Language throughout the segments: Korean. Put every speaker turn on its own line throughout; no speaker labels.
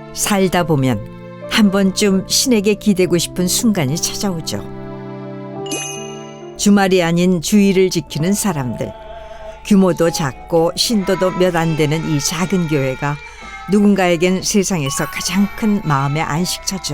살다 보면 한 번쯤 신에게 기대고 싶은 순간이 찾아오죠. 주말이 아닌 주일을 지키는 사람들. 규모도 작고 신도도 몇 안 되는 이 작은 교회가 누군가에겐 세상에서 가장 큰 마음의 안식처죠.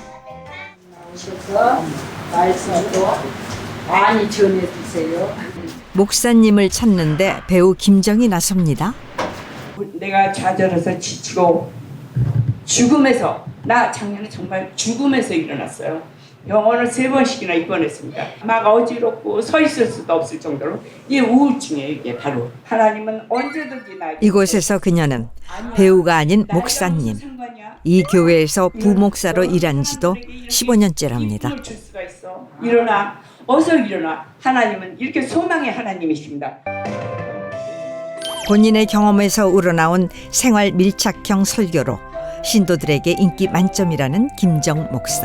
오셔서 말씀도 많이 전해주세요.
목사님을 찾는데 배우 김정이 나섭니다.
내가 좌절해서 지치고 죽음에서, 나 작년에 정말 죽음에서 일어났어요. 병원을 3번씩이나 입원했습니다. 막 어지럽고 서 있을 수도 없을 정도로 이게 우울증이에요. 이게 바로 하나님은 언제든지 나에게.
이곳에서 그녀는 배우가 아닌 목사님, 이 교회에서 부목사로 일한 지도 15년째랍니다.
일어나, 어서 일어나. 하나님은 이렇게 소망의 하나님이십니다.
본인의 경험에서 우러나온 생활 밀착형 설교로 신도들에게 인기 만점이라는 김정 목사.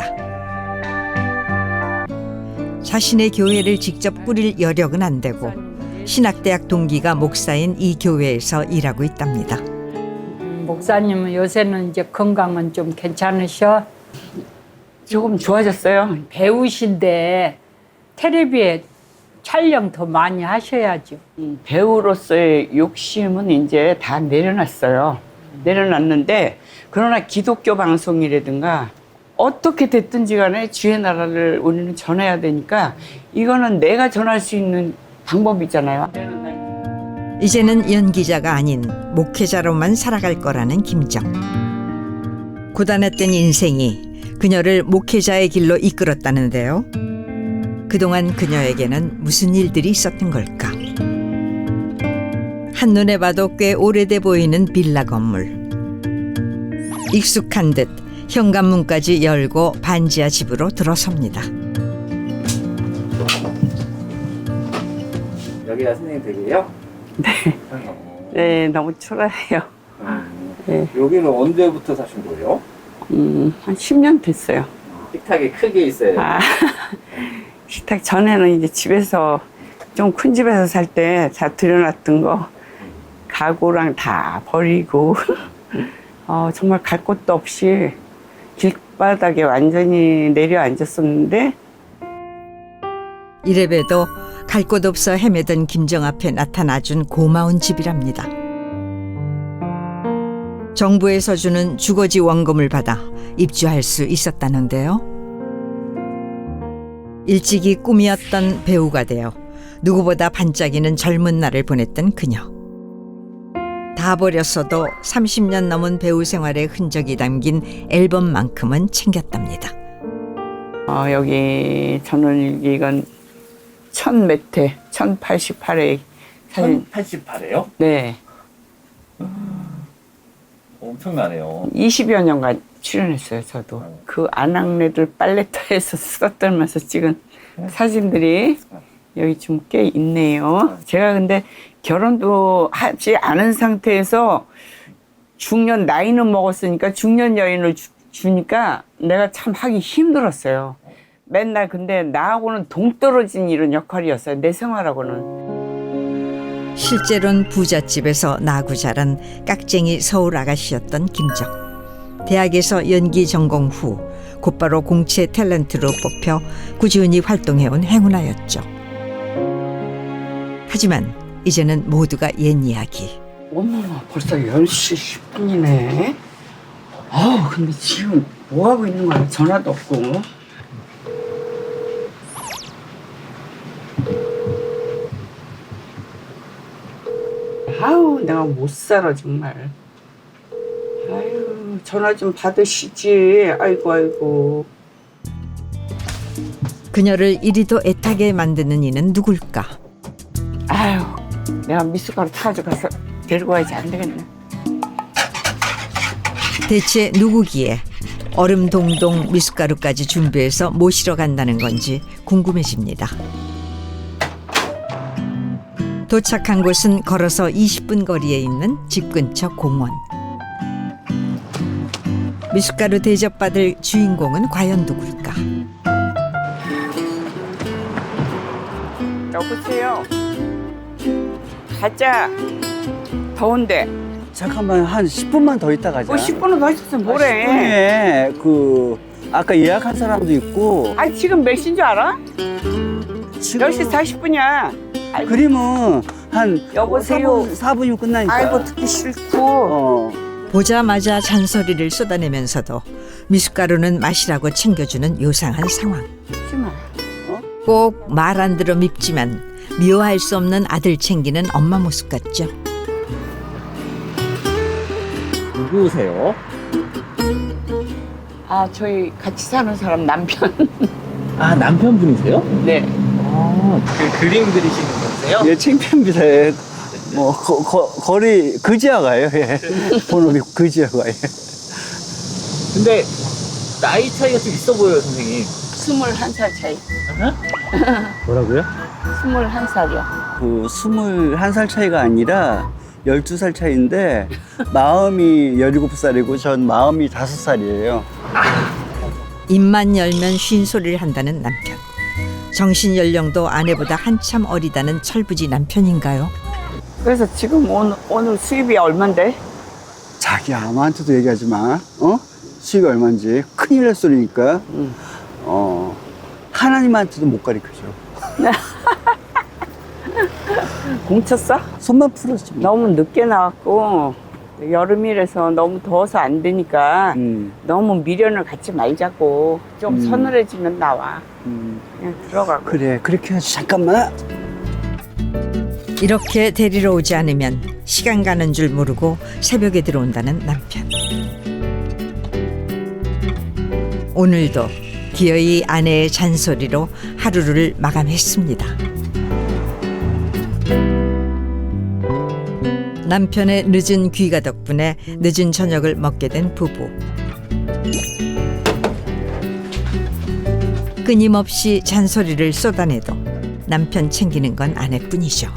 자신의 교회를 직접 꾸릴 여력은 안 되고 신학대학 동기가 목사인 이 교회에서 일하고 있답니다.
목사님은 요새는 이제 건강은 좀 괜찮으셔?
조금 좋아졌어요.
배우신데 텔레비에 촬영 더 많이 하셔야죠.
배우로서의 욕심은 이제 다 내려놨어요. 내려놨는데, 그러나 기독교 방송이라든가 어떻게 됐든지 간에 주의 나라를 우리는 전해야 되니까 이거는 내가 전할 수 있는 방법이잖아요.
이제는 연기자가 아닌 목회자로만 살아갈 거라는 김정. 고단했던 인생이 그녀를 목회자의 길로 이끌었다는데요. 그동안 그녀에게는 무슨 일들이 있었던 걸까? 한눈에 봐도 꽤 오래돼 보이는 빌라 건물. 익숙한 듯 현관문까지 열고 반지하 집으로 들어섭니다.
여기가 선생님 댁이에요?
네. 네, 너무 초라해요. 네.
여기는 언제부터 사신 거예요?
한 10년 됐어요.
식탁이 크게 있어요.
아, 식탁 전에는 이제 집에서, 좀 큰 집에서 살 때 다 들여놨던 거 가구랑 다 버리고 정말 갈 곳도 없이 길바닥에 완전히 내려앉았었는데,
이래봬도 갈 곳 없어 헤매던 김정 앞에 나타나준 고마운 집이랍니다. 정부에서 주는 주거지 원금을 받아 입주할 수 있었다는데요. 일찍이 꿈이었던 배우가 되어 누구보다 반짝이는 젊은 날을 보냈던 그녀. 다 버렸어도 30년 넘은 배우 생활의 흔적이 담긴 앨범만큼은 챙겼답니다.
여기 저는 이건 1000몇 회, 1088회 사진.
1088회요?
네.
엄청나네요.
20여 년간 출연했어요, 저도. 그 아낙네들 빨래터에서 수다 떨면서 찍은 사진들이 여기 좀 꽤 있네요. 제가 근데 결혼도 하지 않은 상태에서 중년 나이는 먹었으니까 중년 여인을 주니까 내가 참 하기 힘들었어요. 맨날 근데 나하고는 동떨어진 이런 역할이었어요, 내 생활하고는.
실제로는 부잣집에서 나고 자란 깍쟁이 서울 아가씨였던 김정. 대학에서 연기 전공 후 곧바로 공채 탤런트로 뽑혀 꾸준히 활동해온 행운아였죠. 하지만 이제는 모두가 옛 이야기.
어머나, 벌써 10시 10분이네. 근데 지금 뭐하고 있는 거야? 전화도 없고. 내가 못 살아, 정말. 전화 좀 받으시지. 아이고.
그녀를 이리도 애타게 만드는 이는 누굴까?
내가 미숫가루 타가지고 가서 데리고 와야지. 안 되겠네.
대체 누구기에 얼음 동동 미숫가루까지 준비해서 모시러 간다는 건지 궁금해집니다. 도착한 곳은 걸어서 20분 거리에 있는 집 근처 공원. 미숫가루 대접받을 주인공은 과연 누굴까?
여보세요. 가자. 더운데
잠깐만 한 10분만 더 있다 가자.
10분은 더 있었으면 뭐래.
10분에 그 아까 예약한 사람도 있고.
아니 지금 몇 시인 줄 알아?
지금
10시 40분이야.
그림은 한
여보세요.
4분이면 끝나니까.
아이고 듣기 싫고.
어.
보자마자 잔소리를 쏟아내면서도 미숫가루는 마시라고 챙겨주는 요상한 상황.
하지마.
꼭 말 안 들어 밉지만 미워할 수 없는 아들 챙기는 엄마 모습 같죠.
누구세요?
아 저희 같이 사는 사람 남편.
아, 남편분이세요?
네.
아, 그 그림 그리시는 분이세요?
예, 창피합니다. 뭐 거리 그지어 가요. 예. 본업이 그지어 가요.
근데 나이 차이가 좀 있어 보여요, 선생님.
21살 차이.
뭐라고요?
21살이요.
그 21살 차이가 아니라 12살 차이인데 마음이 17살이고 전 마음이 5살이에요.
입만 열면 쉰소리를 한다는 남편. 정신 연령도 아내보다 한참 어리다는 철부지 남편인가요?
그래서 지금 오늘 수입이 얼만데?
자기 아무한테도 얘기하지 마. 어? 수익이 얼마인지 큰일 날 소리니까. 하나님한테도 못 가르쳐줘.
공쳤어?
손만 풀었지. 뭐.
너무 늦게 나왔고 여름이라서 너무 더워서 안 되니까 너무 미련을 갖지 말자고 좀 서늘해지면 나와. 그냥 들어가고.
그래, 그렇게 하지. 잠깐만.
이렇게 데리러 오지 않으면 시간 가는 줄 모르고 새벽에 들어온다는 남편. 오늘도 기어이 아내의 잔소리로 하루를 마감했습니다. 남편의 늦은 귀가 덕분에 늦은 저녁을 먹게 된 부부. 끊임없이 잔소리를 쏟아내도 남편 챙기는 건 아내뿐이죠.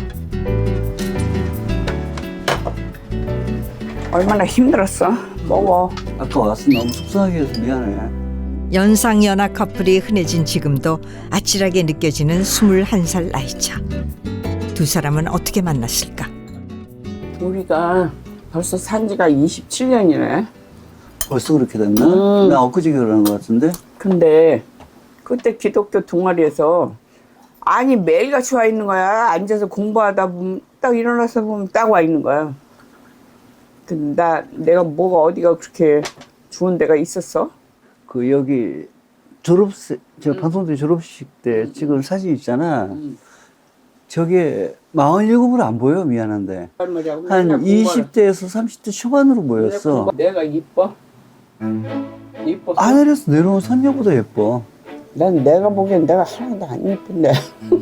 얼마나 힘들었어. 먹어.
아까 와서 너무 속상하게 해서 미안해.
연상연하 커플이 흔해진 지금도 아찔하게 느껴지는 21살 나이차. 두 사람은 어떻게 만났을까?
우리가 벌써 산 지가 27년이네.
벌써 그렇게 됐나? 나 엊그제 결혼한 것 같은데?
근데 그때 기독교 동아리에서 아니 매일같이 와 있는 거야. 앉아서 공부하다 보면 딱 일어나서 보면 딱 와 있는 거야. 근데 내가 뭐가 어디가 그렇게 좋은 데가 있었어?
그 여기 저 방송대 졸업식 때 찍은 사진 있잖아. 저게 47으로 안 보여. 미안한데. 한 20대에서 30대 초반으로 보였어.
내가 이뻐? 이뻐.
하늘에서 내려온 선녀보다 예뻐.
난 내가 보기엔 내가 하나도 안 이쁜데.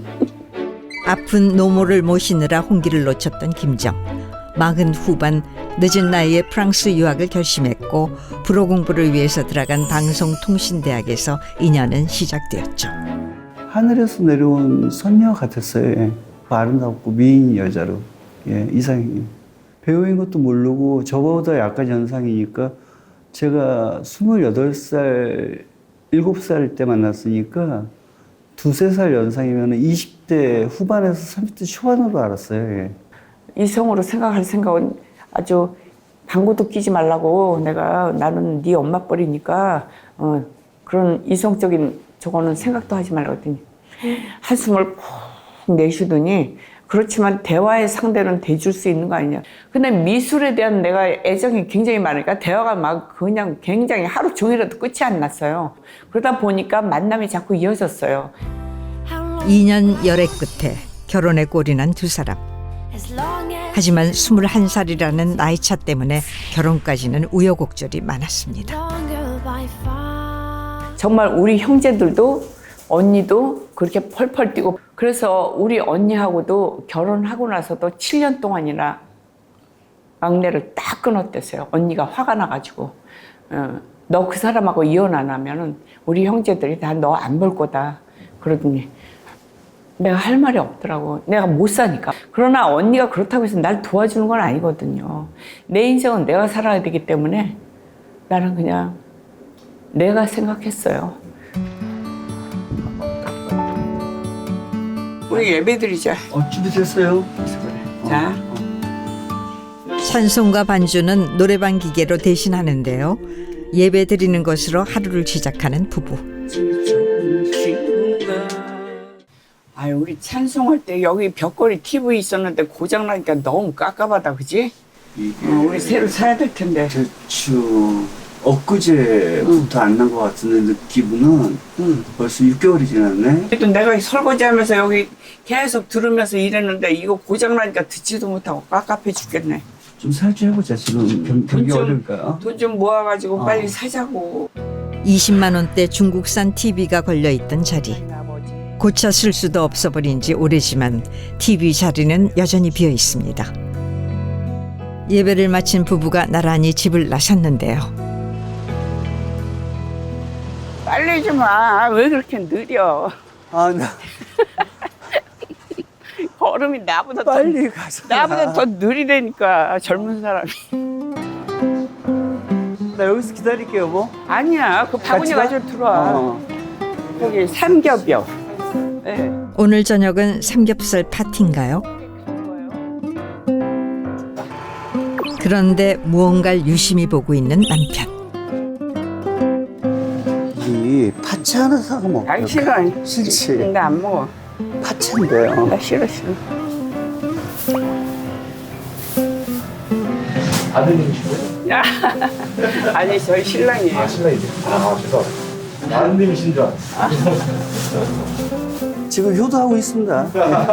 아픈 노모를 모시느라 홍기를 놓쳤던 김정. 40 후반 늦은 나이에 프랑스 유학을 결심했고 불어 공부를 위해서 들어간 방송통신대학에서 인연은 시작되었죠.
하늘에서 내려온 선녀 같았어요. 예. 아름답고 미인 여자로. 예, 이상해요. 배우인 것도 모르고 저보다 약간 연상이니까 제가 28살, 7살 때 만났으니까 2~3살 연상이면 20대 후반에서 30대 초반으로 알았어요. 예.
이성으로 생각할 생각은 아주 방구도 끼지 말라고 나는 네 엄마 뻘이니까 그런 이성적인 저거는 생각도 하지 말라고 했더니 한숨을 푹 내쉬더니 그렇지만 대화의 상대는 돼줄 수 있는 거 아니냐. 근데 미술에 대한 내가 애정이 굉장히 많으니까 대화가 막 그냥 굉장히 하루 종일해도 끝이 안 났어요. 그러다 보니까 만남이 자꾸 이어졌어요.
2년 열애 끝에 결혼에 꼴이 난 두 사람. 하지만 21살이라는 나이차 때문에 결혼까지는 우여곡절이 많았습니다.
정말 우리 형제들도 언니도 그렇게 펄펄 뛰고 그래서 우리 언니하고도 결혼하고 나서도 7년 동안이나 막내를 딱 끊었댔어요. 언니가 화가 나가지고 너 그 사람하고 이혼 안 하면은 우리 형제들이 다 너 안 볼 거다 그러더니 내가 할 말이 없더라고. 내가 못 사니까. 그러나 언니가 그렇다고 해서 날 도와주는 건 아니거든요. 내 인생은 내가 살아야 되기 때문에 나는 그냥 내가 생각했어요. 우리 예배 드리자.
준비됐어요?
자.
찬송가 반주는 노래방 기계로 대신하는데요. 예배 드리는 것으로 하루를 시작하는 부부.
아유, 우리 찬송할 때 여기 벽걸이 TV 있었는데 고장나니까 너무 깝깝하다, 그지? 우리 새로 사야 될 텐데.
대충 엊그제부터 안 난 것 같은데 기분은 벌써 6개월이 지났네.
그래도 내가 설거지하면서 여기 계속 들으면서 일했는데 이거 고장나니까 듣지도 못하고 깝깝해 죽겠네.
좀 살주해보자. 지금 경기 어려울까요?
돈 좀 모아가지고 빨리 사자고.
20만 원대 중국산 TV가 걸려있던 자리. 고쳐 쓸 수도 없어버린 지 오래지만 TV 자리는 여전히 비어 있습니다. 예배를 마친 부부가 나란히 집을 나섰는데요.
빨리 좀 와. 왜 그렇게 느려?
아, 나
걸음이 나보다
빨리 가자.
나보다 더 느리다니까 젊은 사람이.
나 여기서 기다릴게요, 여보.
아니야, 그 바구니
같이 가?
가지고 들어와. 거기 삼겹이요. 네.
오늘 저녁은 삼겹살 파티인가요? 그런데 무언가를 유심히 보고 있는 남편.
이 파채 하나 사고 먹어.
아니 싫어.
싫지.
나 안 먹어.
파채인데요.
나 싫어.
아드님이신가요?
야. 아니 저희 신랑이에요.
신랑이세요? 죄송합니다. 아드님이신 줄 알았어요.
지금 효도하고 있습니다.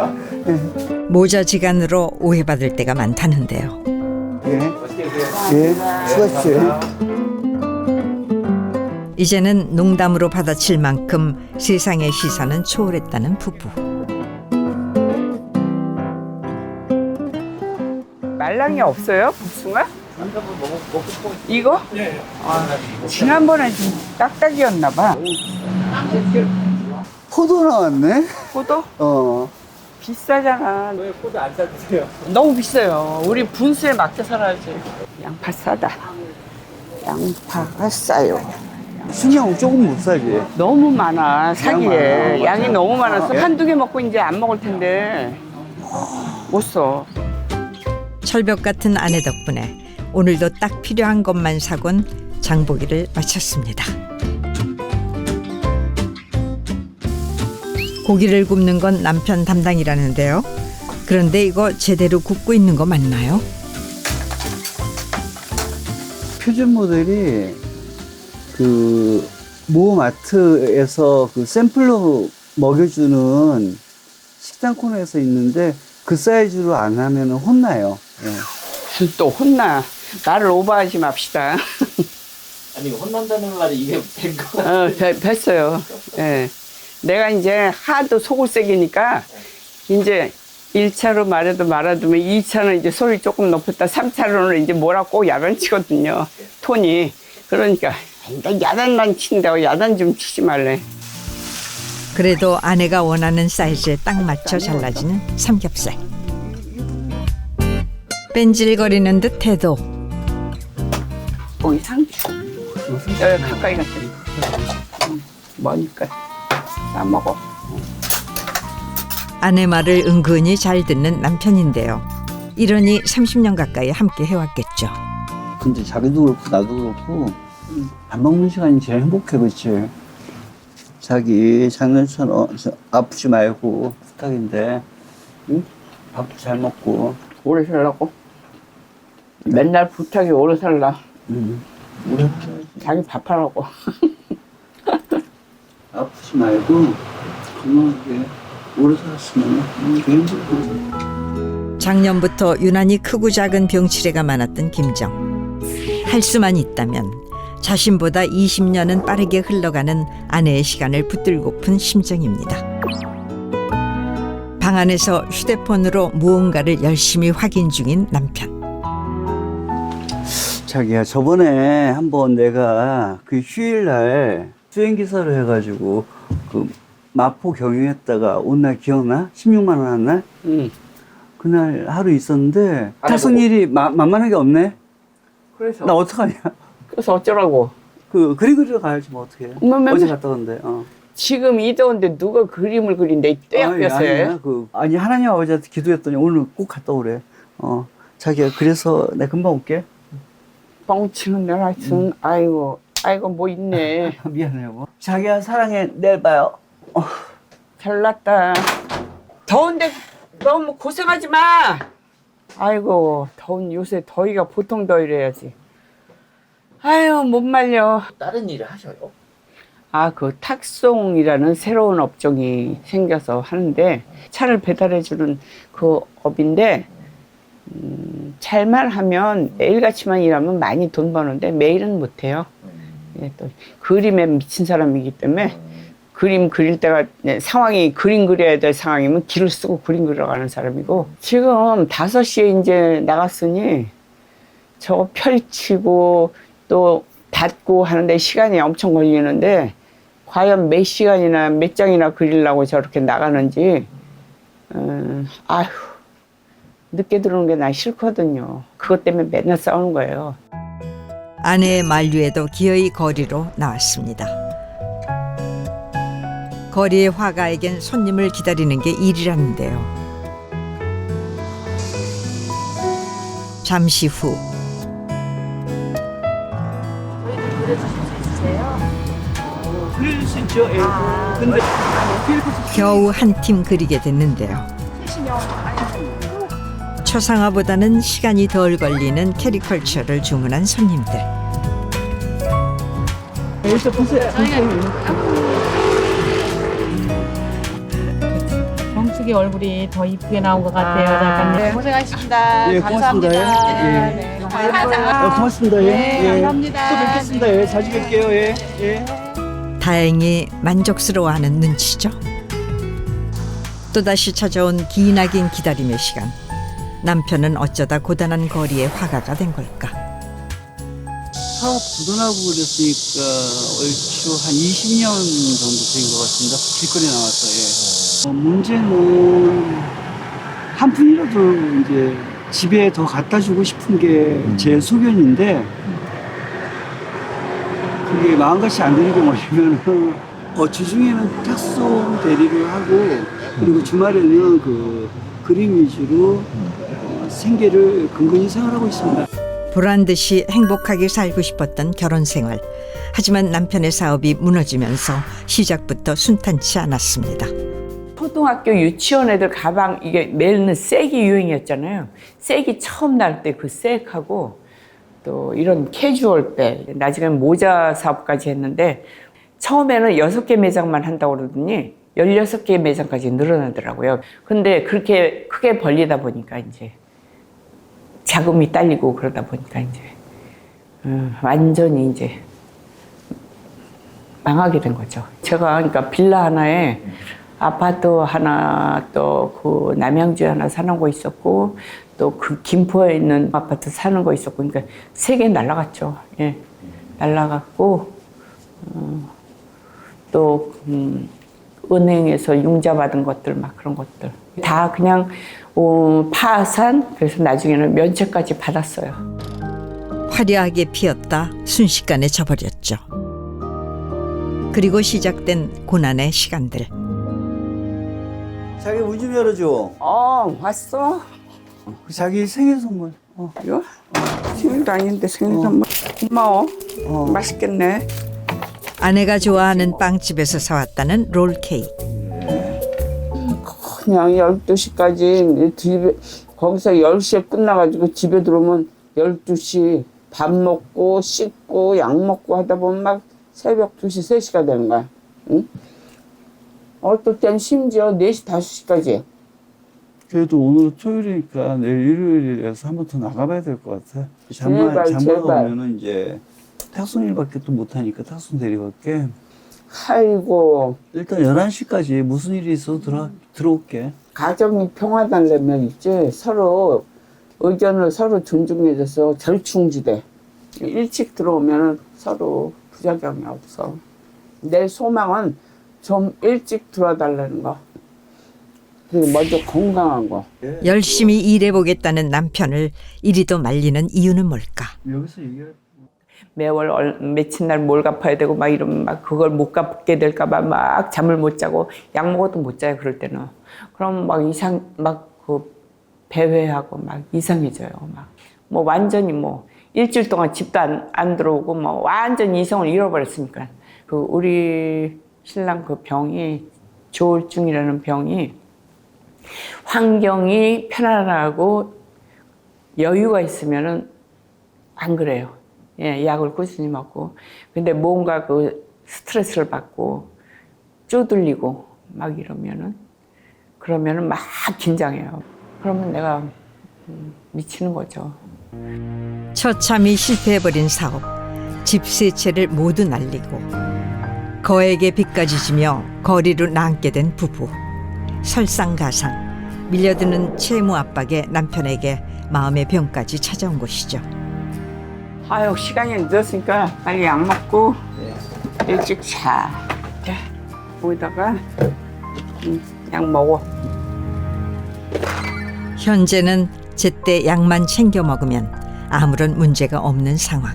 모자지간으로 오해받을 때가 많다는데요.
예. 예. 수고하십시오.
이제는 농담으로 받아칠 만큼 세상의 시선은 초월했다는 부부.
말랑이 없어요? 복숭아? 이거? 네. 지난번에 좀 딱딱이었나 봐.
포도 나왔네?
포도? 비싸잖아.
왜 코드 안 싸주세요?
너무 비싸요. 우리 분수에 맞게 살아야지. 양파 싸다. 양파가 싸요.
순양 조금 못 사지.
너무 많아, 사기에.
많아.
양이 너무 많아서
예?
한두 개 먹고 이제 안 먹을 텐데. 못 써.
철벽 같은 아내 덕분에 오늘도 딱 필요한 것만 사곤 장보기를 마쳤습니다. 고기를 굽는 건 남편 담당이라는데요. 그런데 이거 제대로 굽고 있는 거 맞나요?
표준 모델이 그 모마트에서 그 샘플로 먹여주는 식당 코너에서 있는데 그 사이즈로 안 하면 혼나요. 예.
또 혼나. 나를 오버하지 맙시다.
아니 혼난다는 말이 이게 된 거.
뵀어요. 예. 내가 이제 하도 속을 새기니까 이제 1차로 말아두면 2차는 이제 소리 조금 높였다 3차로는 이제 뭐라고 꼭 야단치거든요. 톤이. 그러니까 나 야단만 친다고 야단 좀 치지 말래.
그래도 아내가 원하는 사이즈에 딱 맞춰 잘라지는 삼겹살. 뺀질거리는 듯해도
거기 상추. 여기 가까이 갔더니 머니까 싸먹어.
아내 말을 은근히 잘 듣는 남편인데요. 이러니 30년 가까이 함께 해왔겠죠.
근데 자기도 그렇고 나도 그렇고 밥 먹는 시간이 제일 행복해, 그렇지? 자기 작년처럼 아프지 말고 부탁인데, 응? 밥도 잘 먹고.
오래 살라고? 맨날 부탁이 오래 살라.
응.
자기 밥하라고.
아프지 말고 건강하게 오래 살았으면 제일 행복해.
작년부터 유난히 크고 작은 병치레가 많았던 김정. 할 수만 있다면 자신보다 20년은 빠르게 흘러가는 아내의 시간을 붙들고픈 심정입니다. 방 안에서 휴대폰으로 무언가를 열심히 확인 중인 남편.
자기야, 저번에 한번 내가 그 휴일날 수행기사로 해가지고 그 마포 경유했다가 온 날 기억나? 16만 원 한 날?
응.
그날 하루 있었는데 탑승일이 만만하게 없네?
그래서
나 어떡하냐?
그래서 어쩌라고?
그리그리러 가야지 뭐 어떡해. 어제 갔다 온대.
지금 이 더운데 누가 그림을 그린대 이 떼약볕에.
아니 하나님 아버지한테 기도했더니 오늘 꼭 갔다 오래. 자기야, 그래서 내가 금방 올게.
뻥치는 날 하여튼 아이고 뭐 있네.
미안해, 여보. 자기야, 사랑해. 내일 봐요.
잘났다. 더운데 너무 고생하지 마. 아이고 더운 요새 더위가 보통 더위래야지. 아유 못 말려.
다른 일을 하셔요?
아, 그 탁송이라는 새로운 업종이 생겨서 하는데 차를 배달해주는 그 업인데 잘만 하면 매일같이만 일하면 많이 돈 버는데 매일은 못해요. 예, 또 그림에 미친 사람이기 때문에 그림 그릴 때가 상황이 그림 그려야 될 상황이면 길을 쓰고 그림 그리러 가는 사람이고 지금 5시에 이제 나갔으니 저거 펼치고 또 닫고 하는데 시간이 엄청 걸리는데 과연 몇 시간이나 몇 장이나 그리려고 저렇게 나가는지 아휴 늦게 들어오는 게 난 싫거든요. 그것 때문에 맨날 싸우는 거예요.
아내의 만류에도 기어이 거리로 나왔습니다. 거리의 화가에겐 손님을 기다리는 게 일이라는데요. 잠시 후
그릴 수 있죠? 예. 근데
겨우 한 팀 그리게 됐는데요. 초상화보다는 시간이 덜 걸리는 캐리컬처를 주문한 손님들.
일단 보세요.
정숙이 얼굴이 더 이쁘게 나온 것 같아요, 작가님.
네, 고생하셨습니다.
예,
감사합니다.
고맙습니다. 예.
네, 감사합니다.
고맙습니다. 예.
네,
예.
감사합니다.
또 뵙겠습니다. 예. 자주 뵐게요. 예. 예.
다행히 만족스러워하는 눈치죠. 또다시 찾아온 기나긴 기다림의 시간. 남편은 어쩌다 고단한 거리의 화가가 된 걸까?
사업 부도나고 그랬으니까 얼추 한 20년 정도 된 것 같습니다. 길거리 나와서. 예. 문제는 한 푼이라도 이제 집에 더 갖다 주고 싶은 게 제 소견인데 그게 마음같이 안 되는 경우면 주중에는 탁송 대리를 하고 그리고 주말에는 그 그림 위주로 생계를 근근히 생활하고 있습니다.
보란 듯이 행복하게 살고 싶었던 결혼 생활. 하지만 남편의 사업이 무너지면서 시작부터 순탄치 않았습니다.
초등학교 유치원 애들 가방 이게 매는 색이 유행이었잖아요. 색이 처음 날 때 그 색하고 또 이런 캐주얼백 나중에 모자 사업까지 했는데 처음에는 6개 매장만 한다고 그러더니 16개 매장까지 늘어나더라고요. 근데 그렇게 크게 벌리다 보니까 이제 자금이 딸리고 그러다 보니까 이제 완전히 이제 망하게 된 거죠. 제가 그러니까 빌라 하나에 아파트 하나 또 그 남양주에 하나 사는 거 있었고 또 그 김포에 있는 아파트 사는 거 있었고 그러니까 3개 날라갔죠. 예, 날라갔고 또 은행에서 융자 받은 것들 막 그런 것들 다 그냥 파산. 그래서 나중에는 면책까지 받았어요.
화려하게 피었다 순식간에 져버렸죠. 그리고 시작된 고난의 시간들.
자기 문 좀 열어줘.
왔어?
자기 생일 선물.
이거? 생일도 아닌데 생일 선물. 고마워. 맛있겠네.
아내가 좋아하는 빵집에서 사왔다는 롤케이크.
그냥 12시까지 집에 거기서 10시에 끝나가지고 집에 들어오면 12시 밥 먹고 씻고 약 먹고 하다 보면 막 새벽 2시, 3시가 되는 거야. 응? 어떨 땐 심지어 4시, 5시까지.
그래도 오늘 토요일이니까 내일 일요일이라서 한 번 더 나가봐야 될 것 같아. 잠만
제발.
오면은 이제 탁송 일밖에 또 못하니까 탁송 대리밖에.
아이고
일단 11시까지 무슨 일이 있어도 들어올게.
가정이 평화되려면 있지 서로 의견을 서로 존중해줘서 절충지대. 일찍 들어오면 서로 부작용이 없어. 내 소망은 좀 일찍 들어달라는 거. 그리고 먼저 건강한 거.
열심히 일해보겠다는 남편을 이리도 말리는 이유는 뭘까?
여기서 얘기할
매월 며칠 날 뭘 갚아야 되고 막 이러면 막 그걸 못 갚게 될까봐 막 잠을 못 자고 약 먹어도 못 자요 그럴 때는. 그럼 막 그 배회하고 막 이상해져요. 막 뭐 완전히 뭐 일주일 동안 집도 안 들어오고 뭐 완전히 이성을 잃어버렸으니까 그 우리 신랑 그 병이 조울증이라는 병이 환경이 편안하고 여유가 있으면은 안 그래요. 예, 약을 꾸준히 먹고 근데 뭔가 그 스트레스를 받고 쪼들리고 막 이러면은 그러면은 막 긴장해요. 그러면 내가 미치는 거죠.
처참히 실패해버린 사업, 집 세 채를 모두 날리고 거액의 빚까지 지며 거리로 나앉게 된 부부. 설상가상, 밀려드는 채무 압박에 남편에게 마음의 병까지 찾아온 것이죠.
아유 시간이 늦었으니까 빨리 약 먹고 일찍 자. 자, 거기다가 약 먹어.
현재는 제때 약만 챙겨 먹으면 아무런 문제가 없는 상황.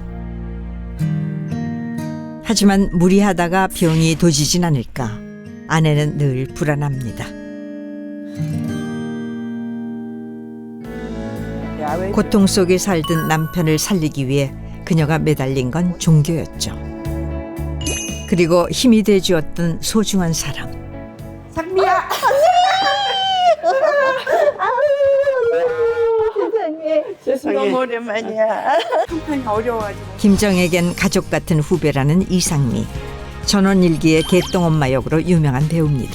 하지만 무리하다가 병이 도지진 않을까 아내는 늘 불안합니다. 고통 속에 살던 남편을 살리기 위해 그녀가 매달린 건 종교였죠. 그리고 힘이 돼주었던 소중한 사람.
상미야. 세상에.
너무 오랜만이야.
형편이 어려워가지고.
김정에겐 가족 같은 후배라는 이상미. 전원일기의 개똥엄마 역으로 유명한 배우입니다.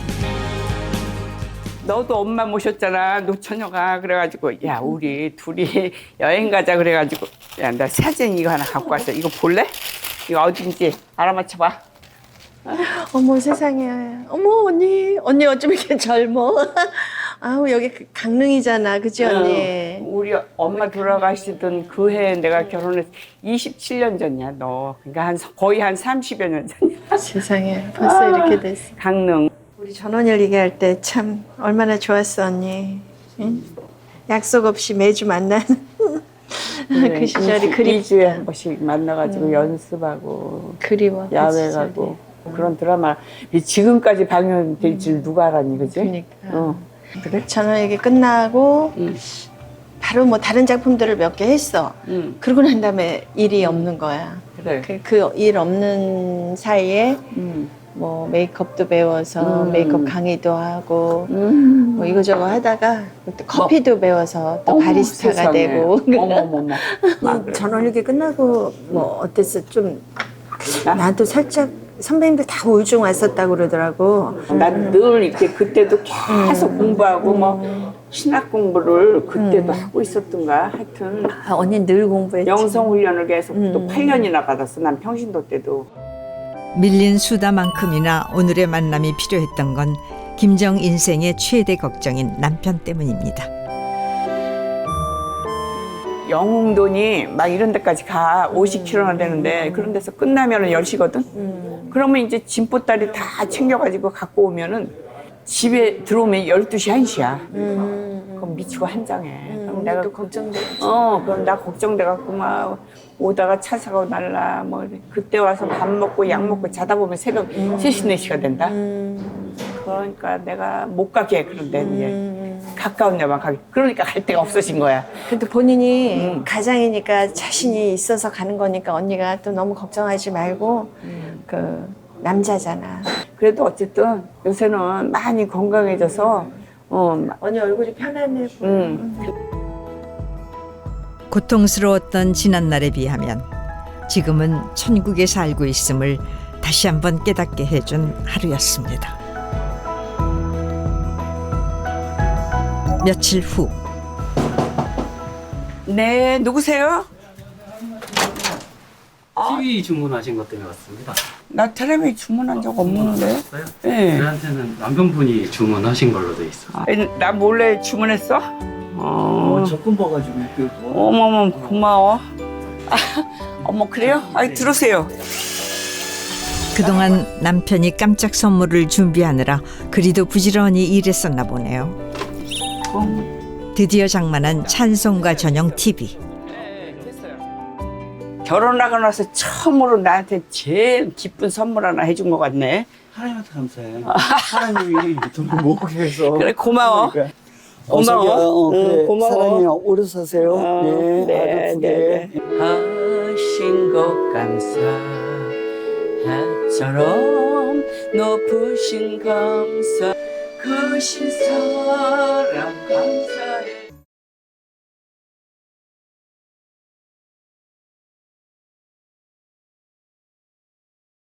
너도 엄마 모셨잖아 노처녀가. 그래가지고 야 우리 둘이 여행 가자. 그래가지고 야 나 사진 이거 하나 갖고 왔어. 이거 볼래? 이거 어딘지 알아맞혀봐.
어머 세상에. 어머 언니 어쩜 이렇게 젊어? 아우 여기 강릉이잖아, 그치 언니?
우리 엄마 돌아가시던 그 해에 내가 결혼해서 27년 전이야 너. 그러니까 거의 한 30여 년 전이야.
세상에 벌써 이렇게 됐어.
강릉.
우리 전원일 얘기할 때 참 얼마나 좋았어 언니. 응? 약속 없이 매주 만나는 그 시절이
2주에 한 번씩 만나가지고 연습하고
그리워. 그
야외
시절이.
가고 그런 드라마 지금까지 방영될 줄 누가 알았니, 그지?
그러니까. 그래? 전원 얘기 끝나고 바로 뭐 다른 작품들을 몇 개 했어. 그러고 난 다음에 일이 없는 거야.
그래.
그 일 없는 사이에 뭐 메이크업도 배워서 메이크업 강의도 하고 뭐 이거저거 하다가 또 커피도 배워서 또
어머,
바리스타가
세상에.
되고.
어머머머.
전원일기 끝나고 뭐 어땠어? 좀 나도 살짝 선배님들 다 우울증 왔었다고 그러더라고.
난 늘 이렇게 그때도 계속 공부하고 뭐 신학 공부를 그때도 하고 있었던가. 하여튼
아, 언니 늘 공부했지.
영성 훈련을 계속 또 8년이나 받았어. 난 평신도 때도.
밀린 수다만큼이나 오늘의 만남이 필요했던 건 김정 인생의 최대 걱정인 남편 때문입니다.
영흥돈이 막 이런 데까지 가 50km나 되는데 그런 데서 끝나면은 10시거든. 그러면 이제 짐보따리 다 챙겨가지고 갖고 오면은 집에 들어오면 12시 1시야. 그럼 미치고 한장해. 그럼 내가
걱정돼.
그럼 나 걱정돼갖고 막 오다가 차 사고 날라 뭐 그때 와서 밥 먹고 약 먹고 자다 보면 새벽 3시 4시가 된다. 그러니까 내가 못 가게 해. 그런데 이제 가까운 데만 가게. 그러니까 갈 데가 없어진 거야.
그래도 본인이 가장이니까 자신이 있어서 가는 거니까 언니가 또 너무 걱정하지 말고 그 남자잖아.
그래도 어쨌든 요새는 많이 건강해져서
언니 얼굴이 편안해 보여.
고통스러웠던 지난날에 비하면 지금은 천국에 살고 있음을 다시 한번 깨닫게 해준 하루였습니다. 며칠 후
네, 누구세요?
TV 주문하신 것 때문에 왔습니다.
나 텔레비 주문한 적 없는데. 네.
저희한테는 남편분이 주문하신 걸로 돼 있어요.
나 몰래 주문했어?
적금 봐가지고
어머머 고마워. 어머 그래요? 아이 들어오세요.
그동안 남편이 깜짝 선물을 준비하느라 그리도 부지런히 일했었나 보네요. 드디어 장만한 찬송가 전용 TV.
결혼하고 나서 처음으로 나한테 제일 기쁜 선물 하나 해준 것 같네.
하나님한테 감사해. 하나님이 돈을 모으게 해서.
그래 고마워.
그러니까.
고마워.
그래.
고마워.
사랑해요. 오래 사세요.
네,
아프게.
하신 것 감사 해처럼 높으신 감사 크신 사랑